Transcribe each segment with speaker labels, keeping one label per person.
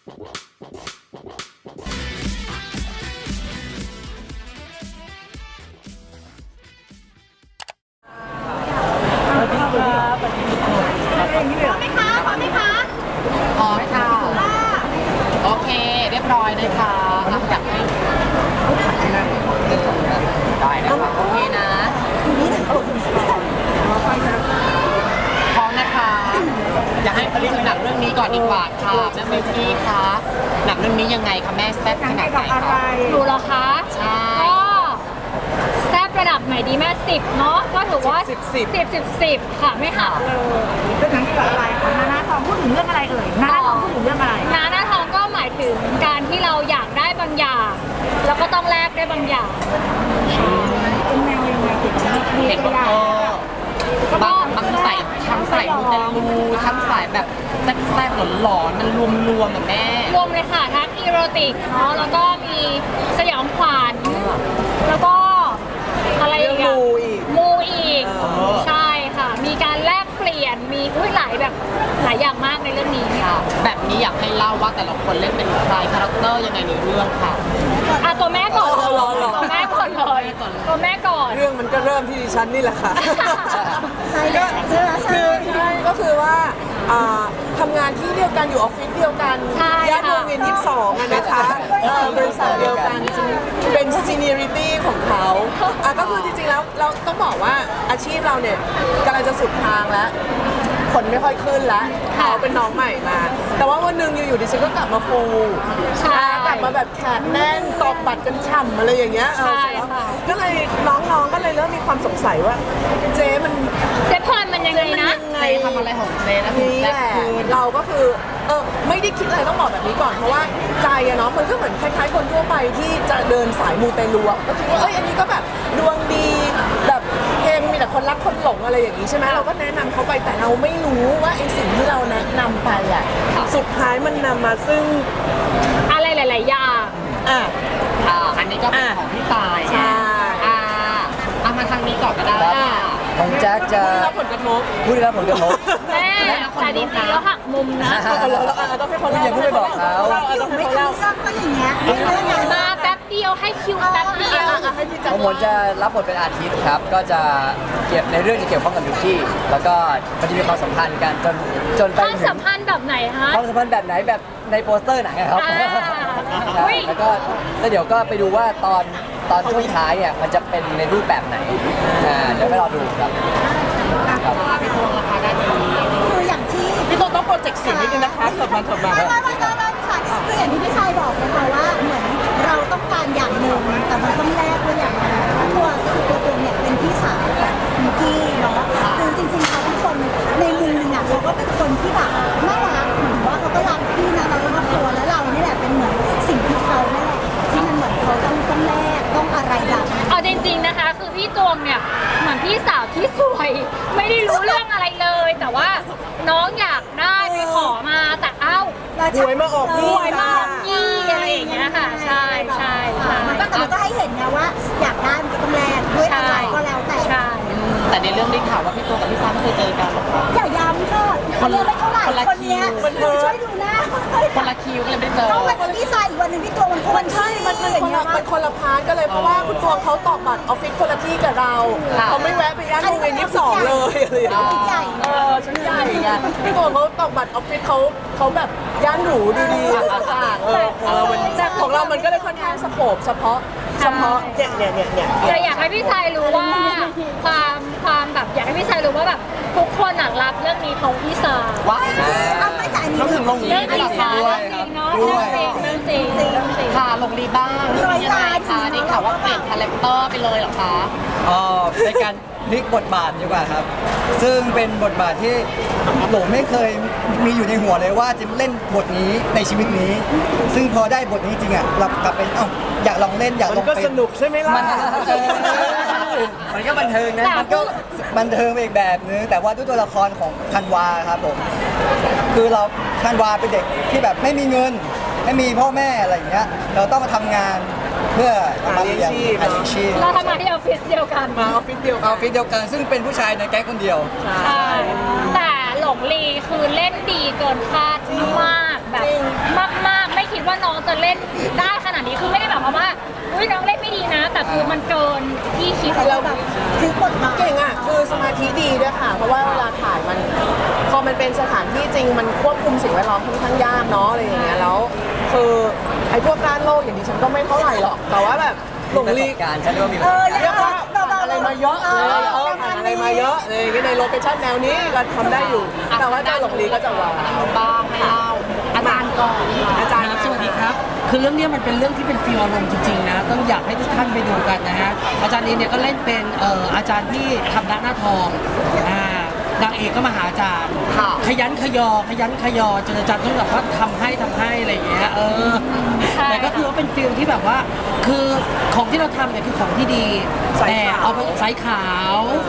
Speaker 1: พร้อมค่ะโอเคเรียบร้อยเลยค่ะอยากให้ได้นะคะโอเคนะพร้อมนะคะอยากให้ผลิตหนังเรื่องนี้ก่อนดีกว่าค่ะแม่เมกี้คะหนังเรื่องนี้ยังไงคะแม่แซ่บขนาดไหนคะ
Speaker 2: ดูเหรอคะ
Speaker 1: ใช่
Speaker 2: ก็แซ่บระดับไหนดีแม่10เนาะก็ถือว่า10ค่ะไม่หักเลย
Speaker 3: เป็นหนังเกี่ยวกับอะไรคะนาหน้าทองพูดถึงเรื่องอะไรเอ่ยนาหน้าทองพูดถึงเรื่องอะไร
Speaker 2: นาหน้าทองก็หมายถึงการที่เราอยากได้บางอย่าง แล้วก็ต้องแลกได้บางอย่าง
Speaker 3: เป็นแนวยังไงเกี่ยวกับเรีย
Speaker 1: เห็
Speaker 3: น
Speaker 1: น
Speaker 3: กี
Speaker 1: ว่า
Speaker 3: ฬา
Speaker 1: บางสายทั้งสายมูเตลูทั้งสายแบบแซ่บๆหลอนๆมันรวมๆแบบแม่
Speaker 2: รวมเลยค่ะทั้งอีโรติกเนาะแล้วก็มีสยองขวัญแล้วก็อะไรอีกอะมูอีกใช่ค่ะ มีการแลกเปลี่ยนมีหลายแบบหลายอย่างมากในเรื่องนี้
Speaker 1: ค่ะแบบนี้อยากให้เล่าว่าแต่ละคนเล่นเป็นใครคาแรคเตอร์ยังไงในเรื่องค่ะ
Speaker 2: อ่ะตัวแม่ก่อนตัวแม่ก่อนเลยตัวแม่ก่อน
Speaker 4: เรื่องมันก็เริ่มที่ดิฉันนี่แหละค่ะก็ก็คือว่าทำงานที่เดียวกันอยู่ออฟฟิศเดียวกัน
Speaker 2: ใช่
Speaker 4: ย่านวงเวียน22อะนะคะบริษัทเดียวกันเป็นซีเนียริตี้ของเขาก็คือจริงๆแล้วเราต้องบอกว่าอาชีพเราเนี่ยกำลังจะสุดทางแล้วคนไม่ค่อยขึ้นแล้วเขาเป็นน้องใหม่มา แต่ว่าวันหนึ่งอยู่ๆดิฉันก็กลับมาฟู
Speaker 2: ใช่
Speaker 4: กลับมาแบบแขนแน่นตอกบัตรกันฉ่ำอะไรอย่างเงี้ย
Speaker 2: ใช่ค่ะ
Speaker 4: ก็เลยน้องๆก็เลยเริ่มมีความสงสัยว่าเจ๊มัน
Speaker 2: เซฟพอนมันยังไงนะ
Speaker 1: เจทำอะไรของเจนะถึง
Speaker 4: นี่
Speaker 1: แซ่
Speaker 4: แห
Speaker 1: บ
Speaker 4: ละ
Speaker 1: ขึ้น
Speaker 4: เราก็คือไม่ได้คิดอะไรต้องบอกแบบนี้ก่อนเพราะว่าใจอะเนาะมันก็เหมือนคล้ายๆคนทั่วไปที่จะเดินสายมูเตลูอะก็คิดว่าอันนี้ก็แบบดวงดีแบบเพลงมีแต่คนรักคนหลงอะไรอย่างนี้ใช่ไหมเราก็แนะนำเขาไปแต่เราไม่รู้ว่าไอ้สิ่งที่เราแนะนำไปอะสุดท้ายมันนำมาซึ่ง
Speaker 2: อะไรหลาย ๆ อย่าง
Speaker 4: อ่ะ
Speaker 1: อันนี้ก็เป็นของพี่ตาย
Speaker 4: ใช่
Speaker 1: เอามาทางนี้ก่อนก็ได้
Speaker 5: ของแจ็คจะ
Speaker 4: รับผลกระทบ
Speaker 5: พูดได้รับผลกระทบ
Speaker 2: แม่แต่จริงๆแล้วหักมุมนะ
Speaker 4: เราต้องให้เขาเล่า
Speaker 5: อย่าเพิ่งไปบอกเขา
Speaker 4: ต้องให้เขาเล่า
Speaker 2: มาแป๊บเดียวให้คิวแป๊บเดียว
Speaker 4: ให้พี่
Speaker 5: ข
Speaker 4: จั
Speaker 5: องผมจะรับบทเป็นอาทิตย์ครับ ก็จะเกี่ยวในเรื่องจะเกี่ยวข้องกับมิกกี้แล้วก็มันจะมีความสัมพันธ์กันจนไป
Speaker 2: ความ
Speaker 5: ถึ
Speaker 2: สั
Speaker 5: ง
Speaker 2: มพันธ์แบบไหนฮะ
Speaker 5: ความสัมพันธ์แบบไหนแบบในโปสเตอร์หนังอะครับ
Speaker 2: อุ๊
Speaker 5: ใช่
Speaker 2: ย
Speaker 5: แล้วก็เดี๋ยวก็ไปดูว่าตอนช่วงท้ายเนี่ยมันจะเป็นในรูปแบบไหนเดี๋ยวไปรอดูครับ
Speaker 1: พี่ตวงราคาด้านนี้
Speaker 6: คืออย่างที่
Speaker 4: พี่ต้องโปรเจกต์เสียงนิดนึงนะคะเถิดมา
Speaker 6: ไม่พี่ชายคืออย่างที่พี่ชายบอกนะคะว่าเหมือนเราต้องการอย่างหนึ่งแต่มันต้องแลกด้วยอย่างหนึ่งตัวเนี่ยเป็นพี่สาวของมิกกี้เนาะคือจริงๆเขาเป็นคนในมุมหนึ่งอ่ะเขาก็เป็นคนที่แบบน่ารักเหมือนว่าเขาก็รักพี่นะเราก็รักตัวแล้วเรานี่แหละเป็นเหมือนสิ่งที่เขานั่นแหละที่มันเหมือนเขาต้องแลกต้องอะไรแบบนั้น
Speaker 2: เอาจริง ๆนะคะ คือพี่ตวงเนี่ยเหมือนพี่สาวที่สวย ไม่ได้รู้เรื่องอะไรเลย แต่ว่าน้องอยากได้ไปขอมาแต่เอ้า
Speaker 4: หวยมาออก
Speaker 2: หวยมาออกยี่อะไรอย่างเงี้ยค่ะ ใช่ใช่ใช่
Speaker 6: มันก็ให้เห็นไงว่าอยากได้มันก็ต้องแลกด้วยอะไรก็แล้วแต่
Speaker 2: ใช่
Speaker 1: แต่ในเรื่องได้ข่าวว่าพี่ตวงกับพี่ฟ้าไม่เคยเจอกันหรอกค่ะ
Speaker 6: อย่าย้ำค่ะคนนี้ไม่เท่าไหร่คนเนี้ยช่วยดูหน้า
Speaker 1: คนละคิวก็เลยไม่ได้เจอ
Speaker 6: ต้องวันที่ชายอีกวันหนึ่งที่ตัวมันคนที่
Speaker 4: มันคนละพาร์ทกันเลยเพราะว่าคุณตวงเขาตอกบัตรออฟฟิศคนละที่กับเราเขาไม่แวะไปย่านวงเวียน22เลยอะไรอย่างเงี้ย
Speaker 6: ใหญ่
Speaker 4: ชั้นใหญ่ไงพี่ตวงเขาตอกบัตรออฟฟิศเขาแบบย่านหรูดีๆต่างๆของเรามันก็เลยค่อนข้างสโคปเฉพาะเนี่ย
Speaker 2: แต่อยากให้พี่ชายรู้ว่าความแบบอยากให้พี่ชายรู้ว่าแบบทุกคนรักเรื่องนี้ของพี่สาว
Speaker 1: ว้าว
Speaker 6: เอาไม่แต่อันนี้
Speaker 1: ต้องถึงลง
Speaker 2: เรื่
Speaker 1: รี
Speaker 2: องจริง
Speaker 1: ค่ะ
Speaker 2: นะเรื่องจริงเนาะเรื่องจริงเรื่องจริงเรื่องจริง
Speaker 1: ค่ะลงรีบ้างยังไงคะได้ข่าวว่าเปลี่ยนคาแรคเตอร์ไปเลยเหรอคะ
Speaker 5: เป็นการพลิกบทบาทดีกว่าครับ ซึ่งเป็นบทบาทที่โหลไม่เคยมีอยู่ในหัวเลยว่าจะเล่นบทนี้ในชีวิตนี้ ซึ่งพอได้บทนี้จริงอ่ะเรากลับเป็นอยากลองเล่นอยากล
Speaker 4: มั
Speaker 5: อง
Speaker 4: นก็
Speaker 5: เป็น
Speaker 4: สนุกใช่ไหมล่ะ
Speaker 5: มันก็บันเทิงนะมันก็บันเทิงไปอีกแบบนึงแต่ว่าด้วยตัวละครของธันวาครับผมคือเราธันวาเป็นเด็กที่แบบไม่มีเงินไม่มีพ่อแม่อะไรอย่างเงี้ยเราต้องมาทำงานเพื่อมาเลี้ยงหาเลี้ยงชีพ
Speaker 2: เราทำงานที่ออฟฟิศเดียวกัน
Speaker 4: มาออฟฟิศเดียว
Speaker 5: เอาฟิตเดียวกันซึ่งเป็นผู้ชายในแก๊งคนเดียว
Speaker 2: ใช่แต่หลงลีคือเล่นดีเกินคาดมากแบบมาก
Speaker 6: เราแบบถึงบทบาท
Speaker 4: เก่งอ่ะคือสมาธิดีด้วยค่ะ เพราะว่าเวลาถ่ายมันพอมันเป็นสถานที่จริงมันควบคุมสิ่งแวดล้อมค่อนข้างยากเนาะอะไรอย่างเงี้ยแล้วคือไอ้พวกการโลกอย่างดิฉันก็ไม่เท่าไหร่หรอกแต่ว่าแบบหลงลี
Speaker 5: การฉันเรียกว่ามี
Speaker 4: เรียกว่าอะไรมาเยอะเลยผ่านอะไรมาเยอะเลยในโลเคชั่นแนวนี้ก็ทำได้อยู่ แต่ว่าเจ้าหลงลีก็จะว้าว
Speaker 1: บ้างให้เล่าอาจารย์ก่อนค่ะ
Speaker 4: อาจารย์
Speaker 7: ครับสวัสดีครับ คือเรื่องเนี้ยมันเป็นเรื่องที่เป็นฟีลอารมณ์จริงๆนะ ต้องอยากให้ทุกท่านไปดูกันนะฮะ อาจารย์นีเนี่ยก็เล่นเป็นอาจารย์ที่ทำหน้าทองนางเอกก็มาหาอาจารย์
Speaker 1: ค่ะ
Speaker 7: ขยันขยอจนอาจารย์ต้องแบบว่าทำให้อะไรอย่างเงี้ย
Speaker 2: ใช่
Speaker 7: แต่ก็คือว่าเป็นฟีลที่แบบว่า คือของที่เราทำเนี่ยคือของที่ดี
Speaker 4: ใส่
Speaker 7: แต่
Speaker 4: ขาว
Speaker 7: เอาไปใส่ขาว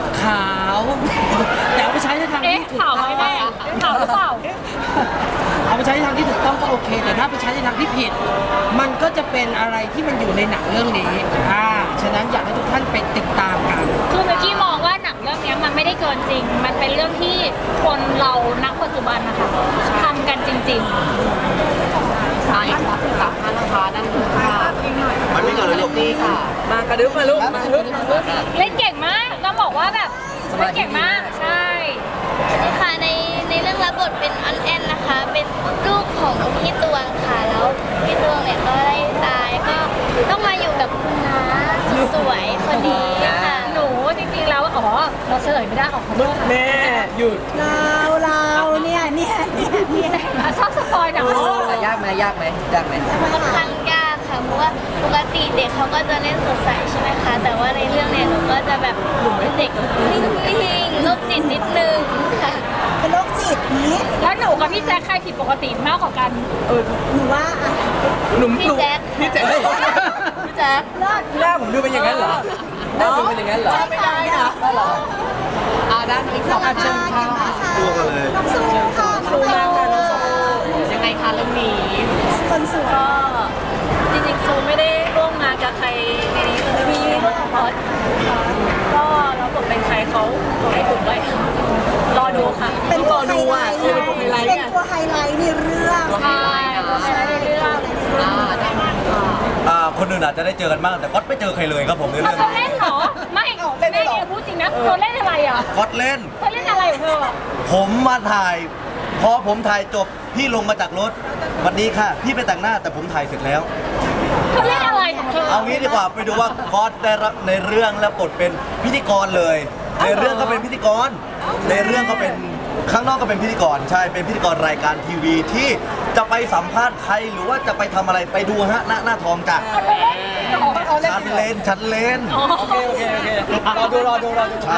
Speaker 7: แต่เอาไปใช้ในทาง
Speaker 2: เอ๊ะ
Speaker 7: ที่ถูก
Speaker 2: ข่าวไหม
Speaker 7: ต้อง
Speaker 2: แม่ข่าวหรือเปล่า
Speaker 7: เอาไปใช้ในทางที่ถูกต้องก็โอเค แต่ถ้าไปใช้ในทางที่ผิด มันก็จะเป็นอะไรที่มันอยู่ในหนังเรื่องนี้ฉะนั้นอยากให้ทุกท่านไปติดตามกัน
Speaker 2: คือเมื่อกี้มองว่าหนังเรื่องเนี้ยมันไม่ได้เกินจริง มันเป็นเรื่องที่คนเรานักปัจจุบันนะคะทำกันจริง
Speaker 1: อีกสามท่านนะคะด้านนู้นค่ะมันไม่เกิดเลยลูกนี่ค่ะ
Speaker 4: มากระดึ๊บมาลูกมาลูก
Speaker 2: ๆ เล่นเก่งมากต้องบอกว่าแบบเล่นเก่งมาก ใช่
Speaker 8: ค่ะในเรื่องรับบทเป็นออนแอนนะคะ เป็นลูกของพี่ตวงค่ะแล้วพี่ตวงเนี่ยก็ได้ตายก็ต้องมาอยู่กับคุณน้าสวยคนนี้ค่ะ
Speaker 2: หนูจริงๆแล้วเราเฉลยไม่ได้ขอโทษค่ะ
Speaker 4: แม่หยุด
Speaker 6: เราเนี่ย
Speaker 2: ชอบสปอยหนังโลก
Speaker 5: ยากไหม
Speaker 8: ค่อนข้างยากค่ะเพราะว่าปกติเด็กเขาก็จะเล่นสดใสใช่ไหมคะแต่ว่าในเรื่องเนี่ยหนูก็จะแบบเป็นเด็กนิ่งๆโรคจิตนิดนึงค่ะ
Speaker 6: เป็นโรคจิตนี้
Speaker 2: แล้วหนูกับพี่แจ๊คใครผิดปกติมากกว่ากัน
Speaker 6: หนูว่าอ่ะ
Speaker 8: พี่แจ๊ค
Speaker 4: พี่แจ๊คพี่แจ๊ค
Speaker 6: เลิศ
Speaker 5: หน้าผมดูเป็นอย่างนั้นเหรอหน้าผมเป็นอย่างนั้นเหรอ
Speaker 4: ไม่ได้นะ
Speaker 1: ด้านนี้ขอเชิญค่ะ
Speaker 6: น้องซูค่ะน้องซู
Speaker 1: ยังไงคะเรื่องนี้
Speaker 6: คนสวย
Speaker 8: จริงๆซูไม่ได้ร่วมงานกับใครในนี้เลยมีพอดก็แล้วบทเป็นใครเขาบอกให้ถูกไว้รอดูค่ะ
Speaker 6: เป็นตัวไฮไลท์
Speaker 4: เป็นตัวไฮไลท์
Speaker 6: เป็นตัวไฮไลท์ในเรื่อง
Speaker 2: ใช่ในเรื่อง
Speaker 1: ได้ไหมค่ะ
Speaker 9: คนอื่นอาจจะได้เจอกันบ้างแต่ก๊อตไม่เจอใครเลยครับผมใน
Speaker 2: เธอ
Speaker 9: เรื่อง
Speaker 2: เล่นเหรอ ไม่แม่เองพูดจริงนะเธอเล่นอะไรอ่ะ
Speaker 9: ก๊อตเล่น
Speaker 2: เธอเล่นอะไรของเธอ
Speaker 9: ผมมาถ่าย พอผมถ่ายจบพี่ลงมาจากรถวันนี้ค่ะ พี่ไปแต่งหน้าแต่ผมถ่ายเสร็จแล้ว
Speaker 2: เธอเล่นอะไรของเธอ
Speaker 9: เอางี้ดีกว่าไปดูว่าก๊อตได้รับในเรื่องและบทเป็นพิธีกรเลย ในเรื่องก็เป็นพิธีกร ในเรื่องก็เป็นข้างนอกก็เป็นพิธีกรใช่เป็นพิธีกรรายการทีวีที่จะไปสัมภาษณ์ใครหรือว่าจะไปทำอะไรไปดูฮะหน้าทองจ้ะฉันเล่น
Speaker 5: โอเครอดู
Speaker 9: ใช่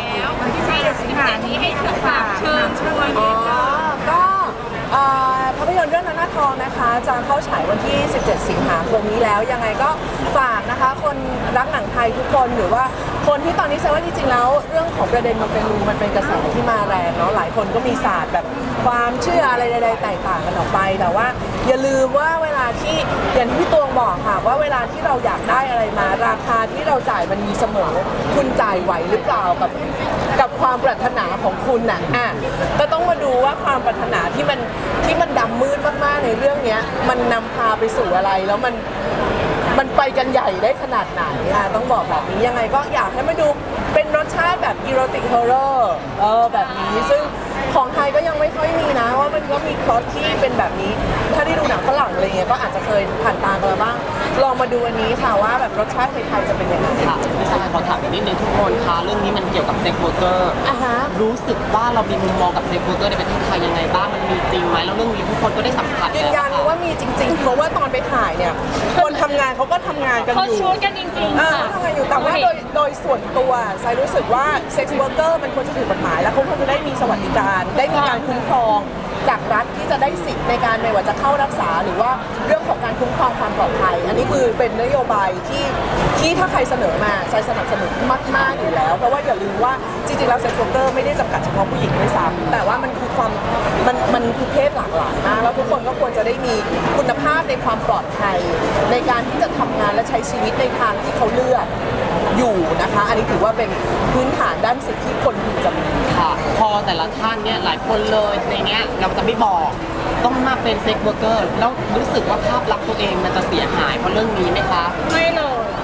Speaker 4: ก็ภาพยนตร์เรื่องนานาทองนะคะ จะเข้าฉายวันที่ 17 สิงหาคมนี้แล้วยังไงก็ฝากนะคะ คนรักหนังไทยทุกคนหรือว่าคนที่ตอนนี้แซวว่าจริงๆแล้วเรื่องของประเด็นมันเป็นกระแสที่มาแรงเนาะหลายคนก็มีศาสตร์แบบความเชื่ออะไรใดๆแตกต่างกันออกไปแต่ว่าอย่าลืมว่าเวลาที่อย่างที่พี่ตวงบอกค่ะว่าเวลาที่เราอยากได้อะไรมาราคาที่เราจ่ายมันมีเสมอคุณจ่ายไหวหรือเปล่ากับความปรารถนาของคุณน่ะก็ต้องมาดูว่าความปรารถนาที่มันดำมืดมากๆในเรื่องเนี้ยมันนำพาไปสู่อะไรแล้วมันไปกันใหญ่ได้ขนาดไหนต้องบอกแบบนี้ยังไงก็อยากให้มาดูเป็นรสชาติแบบอีโรติกฮอร์เรอร์แบบนี้ซึ่งของไทยก็ยังไม่ค่อยมีนะว่ามันก็มีพล็อตที่เป็นแบบนี้ ถ้าได้ดูหนังฝรั่งอะไรเงี้ยก็อาจจะเคยผ่านตากันมาบ้างลองมาดูอันนี้ค่ะว่าแบบรสชาติไทยๆจะเป็นยังไง
Speaker 1: ค่ะพี่ชายขอถามอีกนิดนึงทุกคนคะเรื่องนี้มันเกี่ยวกับเซ็กซ์เวิร์กเกอร์
Speaker 4: อ่ะฮะ
Speaker 1: รู้สึกว่าเรามีมุมมองกับเซ็กซ์เวิร์กเกอร์ในประเทศไทยยังไงบ้างมันมีจริงไหมแล้วเรื่องนี้ทุกคนก็ได้สัมผัส
Speaker 4: ยืนยันว่ามีจริงๆ เพราะว่าตอนไปถ่ายเนี่ยคนทำงานเขาก็ทำงานกัน
Speaker 2: เขา
Speaker 4: อยู่
Speaker 2: ชูดกันจริงๆค่ะ
Speaker 4: ทำงานอยู่แต่ว่าโดยส่วนตัวไซรู้สึกว่าเซ็กซ์เวิร์กเกอร์มันควรจะถูกกฎหมายแล้วเขาควรจะได้มีสวัสดิการได้มีการคุ้มครองจากรัฐที่จะได้สิทธิ์ในการไม่ว่าจะเข้ารักษาหรือว่าเรื่องของการคุ้มครองความปลอดภัย อันนี้คือเป็นนโยบายที่ถ้าใครเสนอมาไซสนับสนุนมากๆอยู่แล้วเพราะว่าอย่าลืมว่าจริงๆแล้วเซ็กซ์เวิร์กเกอร์ไม่ได้จำกัดเฉพาะผู้หญิงด้วยซ้ำแต่ว่ามันคือความมันคือเพศหลากหลายมากแล้วทุกคนก็ควรจะได้มีคุณภาพในความปลอดภัยในการที่จะทำงานและใช้ชีวิตในทางที่เขาเลือกอยู่นะคะ อันนี้ถือว่าเป็นพื้นฐานด้านสิทธิที่คนพึงจะมี
Speaker 1: ค่ะพอแต่ละท่านเนี่ยหลายคนเลยในเนี้ยเราจะไม่บอกต้องมาเป็นเซ็กซ์เวิร์กเกอร์แล้วรู้สึกว่าภาพลักษณ์ตัวเองมันจะเสียหายเพราะเรื่องนี้ไหมคะ
Speaker 2: ไม่เลย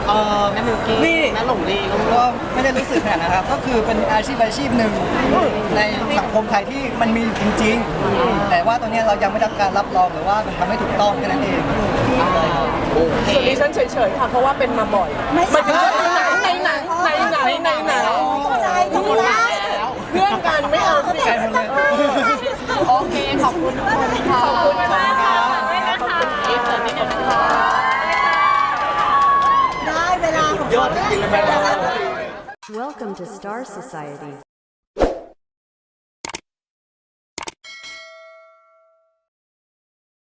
Speaker 1: แม่มิวกี้
Speaker 4: นี่
Speaker 1: แม่หลงลีลูก
Speaker 5: ก็ไม่ได้รู้สึกขนาดนั้นครับ ก็คือเป็นอาชีพหนึ่งในสังคมไทยที่มันมีอยู่จริง ๆ แต่ว่าตอนนี้เรายังไม่ได้รับการรับรองหรือว่ามันทำให้ถูกต้องแค่นั้นเอง
Speaker 4: ส่วนดิฉันเฉยๆค่ะเพราะว่าเป็นมาบ่อย
Speaker 6: ไม่
Speaker 4: หมายถึงว่า
Speaker 6: ใช่
Speaker 4: ในหนัง
Speaker 6: ใจทุกแล้ว
Speaker 4: เพื่อนกันไม่เอาสิ
Speaker 5: ใกล้หมดเลย
Speaker 1: โอเค ขอบคุณทุกคนค่ะ
Speaker 4: ขอบคุณมากค่ะ
Speaker 2: ด้วยนะคะ
Speaker 1: เอฟเสิร์ฟนิดนึงนะคะ
Speaker 6: ได้เวลาของ
Speaker 9: ยอดจริงๆเลยแม่
Speaker 10: Welcome to Star Society.